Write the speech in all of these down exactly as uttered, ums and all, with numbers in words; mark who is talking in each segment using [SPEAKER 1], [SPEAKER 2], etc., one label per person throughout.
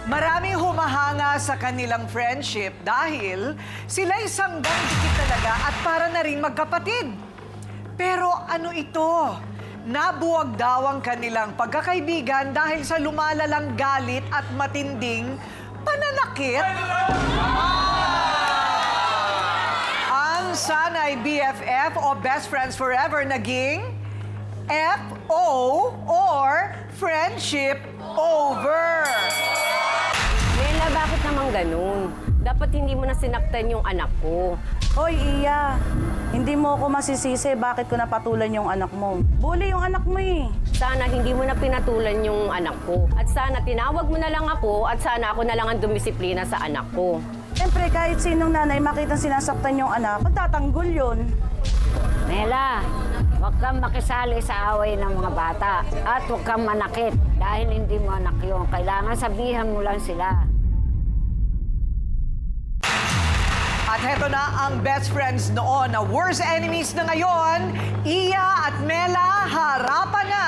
[SPEAKER 1] Maraming humahanga sa kanilang friendship dahil sila'y sanggang dikit talaga at para na ring magkapatid. Pero ano ito? Nabuwag daw ang kanilang pagkakaibigan dahil sa lumalalang galit at matinding pananakit. Ang sanay B F F o Best Friends Forever naging F O or Friendship Over.
[SPEAKER 2] Mela, bakit naman ganun? Dapat hindi mo na sinaktan yung anak ko.
[SPEAKER 3] Hoy, Iya. Hindi mo ako masisisi bakit ko napatulan yung anak mo. Bully yung anak mo eh.
[SPEAKER 2] Sana hindi mo na pinatulan yung anak ko. At sana tinawag mo na lang ako at sana ako na lang ang dumisiplina sa anak ko.
[SPEAKER 3] Siyempre, kahit sinong nanay makitang sinasaktan yung anak, magtatanggol yun.
[SPEAKER 4] Mela, huwag kang makisali sa away ng mga bata at huwag kang manakit dahil hindi mo anak yun. Kailangan sabihan mo lang sila.
[SPEAKER 1] At heto na ang best friends noon na worst enemies na ngayon, Iya at Mela, harapan na!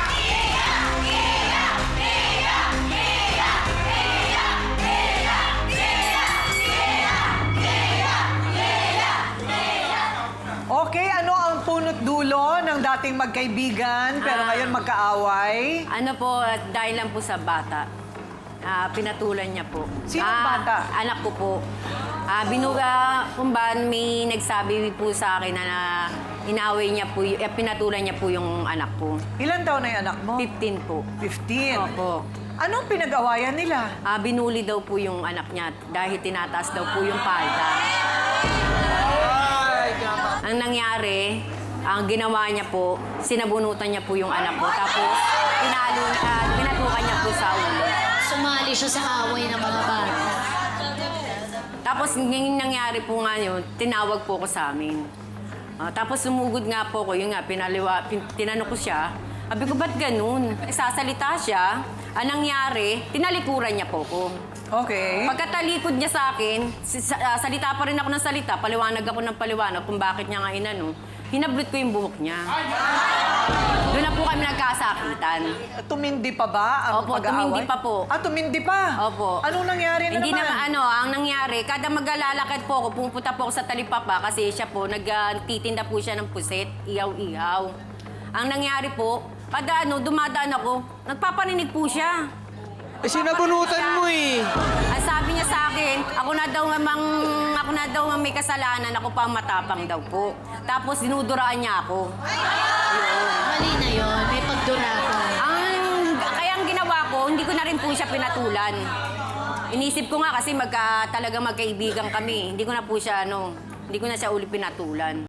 [SPEAKER 1] Okay, ano ang punot dulo ng dating magkaibigan pero
[SPEAKER 2] Ah.
[SPEAKER 1] ngayon magkaaway?
[SPEAKER 2] Ano po, dahil lang po sa bata. Ah, pinatulan niya po.
[SPEAKER 1] Sinong
[SPEAKER 2] Ah,
[SPEAKER 1] bata?
[SPEAKER 2] Anak ko po. Ah, binuga, kung ba may nagsabi po sa akin na, na inaway niya po, y- eh, pinatulan niya po yung anak ko.
[SPEAKER 1] Ilan taon na yung anak mo?
[SPEAKER 2] fifteen po.
[SPEAKER 1] fifteen.
[SPEAKER 2] Opo.
[SPEAKER 1] Anong pinag-awayan nila?
[SPEAKER 2] Ah, binuli daw po yung anak niya dahil tinataas daw po yung palda. Ang nangyari, ang ginawa niya po, sinabunutan niya po yung anak ko. Tapos, pinalo, ah, pinatukan niya po sa ulo.
[SPEAKER 5] Sumali siya sa away ng mga bata.
[SPEAKER 2] Tapos, yung nangyari po nga yun, tinawag po ko sa amin. Ah, tapos, sumugod nga po ko, yun nga, pinaliwa, pin, tinanong ko siya. Sabi ko, ba't ganun? Eh, sasalita siya. Ang nangyari, tinalikuran niya po ko.
[SPEAKER 1] Okay.
[SPEAKER 2] Pagkatalikod niya sa akin, si- sa- ah, salita pa rin ako ng salita, paliwanag ako ng paliwanag kung bakit niya nga inano, hinablot ko yung buhok niya. Doon na po kami nagkasakitan.
[SPEAKER 1] Tumindi pa ba ang
[SPEAKER 2] Opo,
[SPEAKER 1] pag-aaway?
[SPEAKER 2] tumindi pa po.
[SPEAKER 1] Ah, tumindi pa?
[SPEAKER 2] Opo.
[SPEAKER 1] Anong nangyari na
[SPEAKER 2] Hindi
[SPEAKER 1] naman?
[SPEAKER 2] na ano, ang nangyari, kada maglalakad po ako, pumupunta po ako sa talipapa kasi siya po, nagtitinda po siya ng puset, ihaw-ihaw. Ang nangyari po, kada ano, dumadaan ako, nagpapaninig po siya.
[SPEAKER 6] Eh, sinabunutan mo eh.
[SPEAKER 2] Ang sabi niya sa akin, ako na daw mang, ako na daw ang may kasalanan, ako pa ang matapang daw po. Tapos dinuduraan niya ako.
[SPEAKER 5] Mali na yon, may pagduratan.
[SPEAKER 2] Ang, kaya ang ginawa ko, hindi ko na rin po siya pinatulan. Inisip ko nga kasi magka, talaga magkaibigan kami. Hindi ko na po siya, ano, hindi ko na siya uli pinatulan.